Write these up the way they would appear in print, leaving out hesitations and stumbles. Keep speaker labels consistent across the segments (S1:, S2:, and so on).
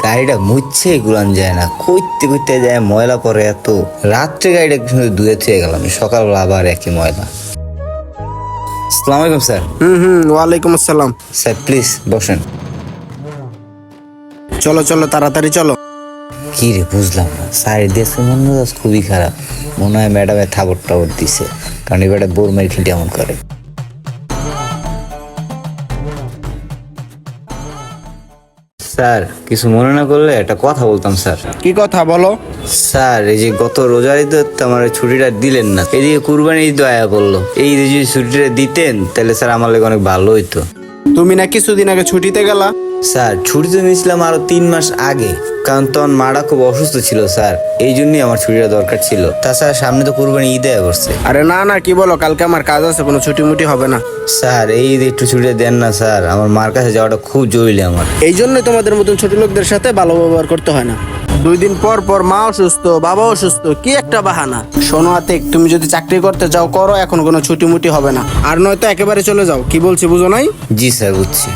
S1: গাড়িটা মুছছে গুলান যায় না, কইতে কইতে যায় ময়লা পরে এত। রাত্রে গাড়িটা কিন্তু ধুয়ে থুয়ে গেলাম, সকালবেলা আবার একই ময়লা। আসসালামু আলাইকুম স্যার।
S2: ওয়ালাইকুম আসসালাম।
S1: স্যার প্লিজ বসেন।
S2: চলো চলো তাড়াতাড়ি চলো।
S1: কি রে বুঝলাম না, স্যার দেশের মন মেজাজ খুবই খারাপ। মনে হয় ম্যাডামে থাবর টাবর দিছে, কারণ এবারে বোর মারি খেটে এমন করে। স্যার কিছু মনে না করলে একটা কথা বলতাম স্যার।
S2: কি কথা বলো?
S1: স্যার এই যে গত রোজার ঈদে তো আমার ছুটিটা দিলেন না, এদিকে কুরবানি ঈদ আয়া বললো, এই ঈদে যদি ছুটিটা দিতেন তাহলে স্যার আমার লাগে অনেক ভালো হইতো।
S2: তুমি না কিছুদিন আগে ছুটিতে গেলা?
S1: স্যার ছুটি তো নিয়েছিলাম আরো 3 মাস আগে, কারণ তখন মাটা খুব অসুস্থ ছিল স্যার, এই জন্যই আমার ছুটিটা দরকার ছিল। তাছাড়া সামনে তো কুরবানি ঈদ আয়া করছে।
S2: আরে না না, কি বলো, কালকে আমার কাজ আছে, কোনো ছুটি মুটি হবে না।
S1: স্যার এই ঈদে একটু ছুটিটা দেন না স্যার, আমার মার কাছে যাওয়াটা খুব জরুরি আমার।
S2: এই জন্যই তোমাদের মতন ছোট লোকদের সাথে ভালো ব্যবহার করতে হয় না। 2 দিন পর পর মা অসুস্থ, বাবা অসুস্থ, কি একটা বাহানা। শোনো আতিক, তুমি যদি চাকরি করতে যাও করো, এখন কোনো ছুটি মুটি হবে না, আর নয়তো একেবারে চলে যাও। কি বলছি বুঝো নাই?
S1: জি স্যার বুঝছি।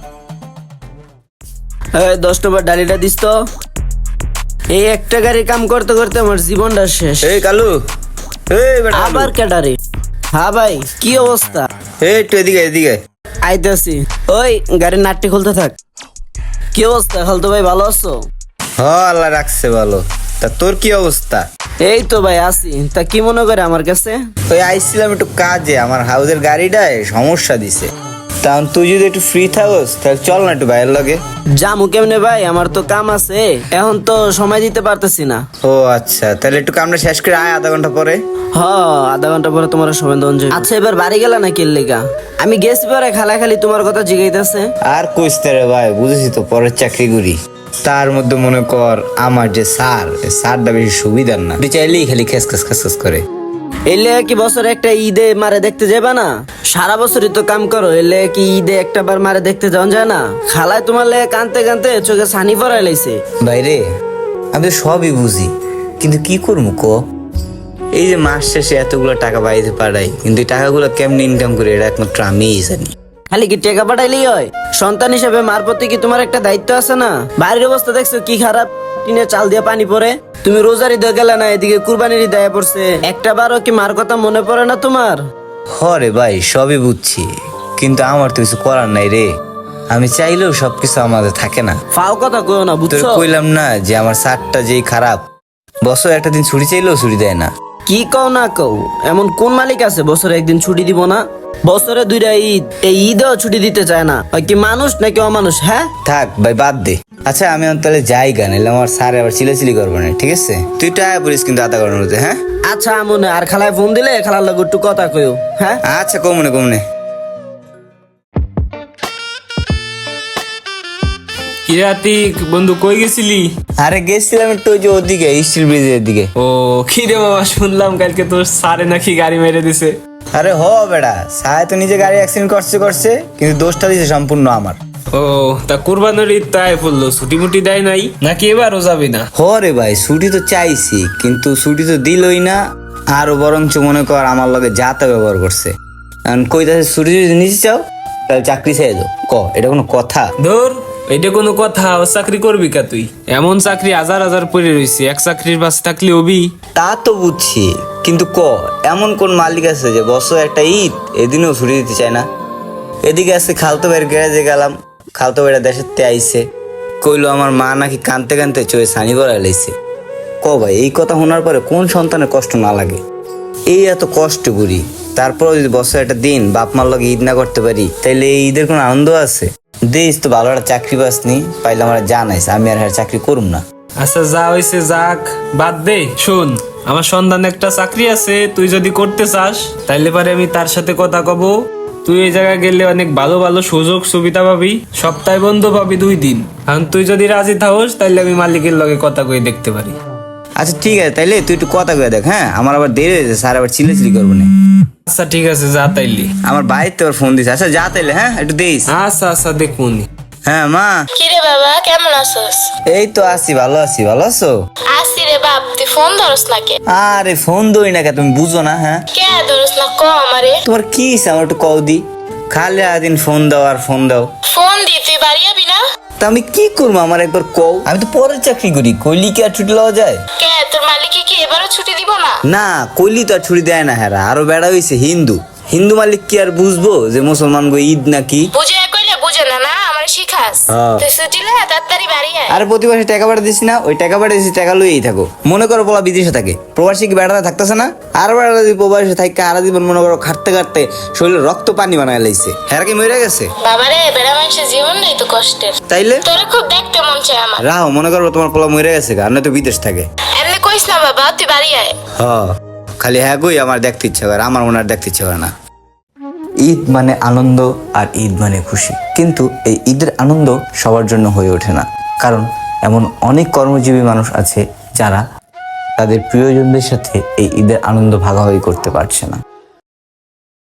S3: 10 নম্বর ডালিটা দিস তো। এই একটা গাড়ির কাম করতে করতে আমার জীবনটা শেষ।
S1: এই কালু, এই বেটা কালু।
S3: আবার ক্যাটারে। হ্যাঁ ভাই, কি অবস্থা?
S1: এই একটু এদিকে এদিকে।
S3: আইতাছি। ওই গাড়ির নাটটি খুলতে থাক। কি অবস্থা খালতো ভাই, ভালো আছো?
S1: হ আল্লাহ রাখছে ভালো। তা তোর কি অবস্থা?
S3: এই তো ভাই আছি। তা কি মনে করে আমার কাছে?
S1: ওই আইছিলাম একটু কাজে, আমার হাউসের গাড়িটায় সমস্যা দিছে। তখন তুই যদি একটু ফ্রি থাকস তাহলে চল না একটু বাইরের লগে।
S3: জামু কেমনে ভাই, আমার তো কাম আছে, এখন তো সময় দিতে পারতেছি না।
S1: ও আচ্ছা, তাহলে একটু কামটা শেষ করে আয় আধা ঘন্টা পরে।
S3: হ, আধা ঘন্টা পরে তোমার সময় দেওয়া যাবে। আচ্ছা এবার বাড়ি গেলা না কিল্লিগা? আমি গেছি পরে খালি তোমার কথা জিগাইতেছে।
S1: আর কইতে রে ভাই, বুঝেছি তো পরের চাকরি করি, তার মধ্যে মনে কর আমার যে স্যার, স্যারটা বেশি সুবিধার না, তুই চাইলেই খালি খেস খেস খেস খেস করে।
S3: এলে কি বছরে একটা ঈদে মারে দেখতে যাবা না? সারা বছরই তো কাম করো, এলে কি ঈদে একটা বার মারে দেখতে যাওয়া যায় না? খালায় তোমার লে কানতে কানতে চোখে ছানি পড়াই লাইছে।
S1: বাইরে আমি তো সবই বুঝি, কিন্তু কি করবো ক? এই যে মাস শেষে এতগুলো টাকা বাইরে পাঠাই, কিন্তু এই টাকাগুলো কেমনি ইনকাম করে এটা একমাত্র আমিই জানি।
S3: খালি কি টাকা পাঠাইলেই হয়? সন্তান হিসেবে মার প্রতি কি তোমার একটা দায়িত্ব আছে না? বাড়ির অবস্থা দেখছো কি খারাপ, টিনে চাল দিয়ে পানি পড়ে। তুমি রোজার ঈদে গেলে না, এদিকে কুরবানির ঈদ আয়া পড়ছে, একটা বারও কি মার কথা মনে পড়ে না তোমার?
S1: হরে ভাই সবই বুঝছি, কিন্তু আমার তো কিছু করার নাই রে। আমি চাইলেও সবকিছু আমাদের থাকে না।
S3: ফাও কথা কইও না,
S1: তোর
S3: বুঝছো?
S1: কইলাম না যে আমার স্যারটা যেই খারাপ, বছর একটা দিন ছুটি চাইলেও ছুটি দেয় না।
S3: কি কও না কও, এমন কোন মালিক আছে বছরে একদিন ছুটি দিব না? বছরে 2টা ঈদ, এই ঈদেও ছুটি দিতে চায় না। হয় কি মানুষ নাকি অমানুষ? হ্যাঁ
S1: থাক ভাই বাদ দে। আচ্ছা আমি তাহলে যাই গান, এলে আমার স্যার আবার চিলাচিলি করবো না, ঠিক আছে? তুই টাকা পড়িস কিন্তু আধা ঘন্টার মধ্যে, হ্যাঁ?
S3: আচ্ছা আমনে, আর খালায় ফোন দিলে খালার লগে একটু কথা কইও। হ্যাঁ
S1: আচ্ছা কমনে কমনে।
S4: কি আতিক বন্ধু, কই গেছিলি?
S1: আরে গেছিলাম একটু ওই যে ওদিকে স্টিল ব্রিজের দিকে।
S4: ও কি রে মামা, শুনলাম কালকে তোর সারে নাকি গাড়ি মেরে দিছে।
S1: আরে হ বেটা, সাহেব তো নিজে গাড়ি অ্যাক্সিডেন্ট করছে, কিন্তু দোষটা দিছে সম্পূর্ণ আমার।
S4: ও তা কুরবানির ঈদ তাই পড়লো, ছুটি মুটি দেয় নাই নাকি এবারও যাবি না?
S1: হ রে ভাই, ছুটি তো চাইছি কিন্তু ছুটি তো দিলই না, আরো বরঞ্চ মনে কর আমার লগে যাতা ব্যবহার করছে। এখন কইতাছে ছুটি যদি নিতে চাও তাহলে চাকরি ছেড়ে দাও। ক এটা কোনো কথা?
S4: ধর, এটা কোনো কথা? ও চাকরি করবি কা তুই? এমন চাকরি হাজার হাজার পড়ে রয়েছে, এক চাকরির পাশে থাকলে হবি?
S1: তা তো বুঝছি, কিন্তু এমন কোন মালিক আছে যে বছর একটা ঈদ এদিনেও ছুটি দিতে চায় না? এদিকে আজকে খালতো ভাইয়ের গ্যারেজে গেলাম, খালতো ভাইরা দেশের তে আইসে, কইলো আমার মা নাকি কানতে কানতে চোখে ছানি পড়া লাইছে। ভাই এই কথা শোনার পরে কোন সন্তানের কষ্ট না লাগে? এই এত কষ্ট করি, তারপরেও যদি বছর একটা দিন বাপ মার লগে ঈদ না করতে পারি, তাইলে এই ঈদের কোনো আনন্দ আছে? দেশ তো ভালো একটা চাকরি পাসনি, পাইলে আমার জানাইস, আমি আর চাকরি করুম না।
S4: আচ্ছা যা হয়েছে যাক, বাদ দে। শোন, আমার সন্ধান একটা চাকরি আছে, তুই যদি করতে চাস তাইলে পারে আমি তার সাথে কথা কব। তুই এই জায়গায় গেলে অনেক ভালো ভালো সুযোগ সুবিধা পাবি, সপ্তাহে বন্ধ পাবি 2 দিন। এখন তুই যদি রাজি থাকস তাইলে আমি মালিকের লগে কথা কয়ে দেখতে পারি।
S1: আচ্ছা ঠিক আছে, তাইলে তুই একটু কথা কয়ে দেখ। হ্যাঁ আমার আবার দেরি হয়েছে, স্যার আবার চিল্লাচিল্লি করবো না।
S4: আচ্ছা ঠিক আছে, যা তাইলে।
S1: আমার বাড়িতে আবার ফোন দিছে। আচ্ছা যা তাইলে, হ্যাঁ একটু দিস।
S4: আচ্ছা আচ্ছা দেখুনি।
S1: হ্যাঁ মা।
S5: কিরে বাবা, কেমন আছিস?
S1: এই তো আছি, ভালো আছি। ভালো আছো?
S5: আসি রে বাপ, তুই ফোন ধরস না কে?
S1: আরে ফোন দই না কে, তুমি বুঝো না? হ্যাঁ
S5: কে ধরস না ক আমারে?
S1: তোমার কি ইচ্ছা আমার একটু কও দি, খালি দিন ফোন দাও আর ফোন দাও।
S5: ফোন দি, তুই বাড়ি যাবি না?
S1: তা আমি কি করবো আমার একবার কও, আমি তো পরের চাকরি করি, কইলি কি আর ছুটি লওয়া যায়?
S5: কে তোর মালিকে কি এবারও ছুটি দিব না?
S1: না, কইলি তো আর ছুটি দেয় না। হ্যাঁ, আরো বেড়া হইছে হিন্দু, হিন্দু মালিক কি আর বুঝবো যে মুসলমান গো ঈদ নাকি?
S5: বুঝে কইলে বুঝে না, না আমার শিখাস।
S1: হ্যাঁ।
S5: তুই ছুটি লে তাড়াতাড়ি বাড়ি আয়।
S1: আর প্রতি মাসে টাকা পাঠা দিছি না, ওই টাকা পাঠা দিছি, টাকা লইয়েই থাকো। মনে করো পোলা বিদেশে থাকে, প্রবাসী কি বেড়াতে থাকতেছে না? আর বেড়া যদি প্রবাসে থাকে আর জীবন মনে করো খাটতে খাটতে শরীরে রক্ত পানি বানায় লাইছে, হ্যাঁ কি মরে গেছে?
S5: বাবারে বেড়া মানুষের জীবনটাই তো কষ্টের।
S1: তাইলে
S5: তোরে খুব দেখতে মন চায় আমার।
S1: রাহো, মনে করো তোমার পোলা মরে গেছে, আর নয়তো বিদেশ থাকে।
S5: এমনি কইস না বাবা, তুই বাড়ি আয়।
S1: খালি হ্যাঁ কই আমার দেখতে ইচ্ছা করে, আমার মনে আর দেখতে ইচ্ছা করে না। ঈদ মানে আনন্দ আর ঈদ মানে খুশি, কিন্তু এই ঈদের আনন্দ সবার জন্য হয়ে ওঠে না, কারণ এমন অনেক কর্মজীবী মানুষ আছে যারা তাদের প্রিয়জনদের সাথে এই ঈদের আনন্দ ভাগাভাগি করতে পারছে না।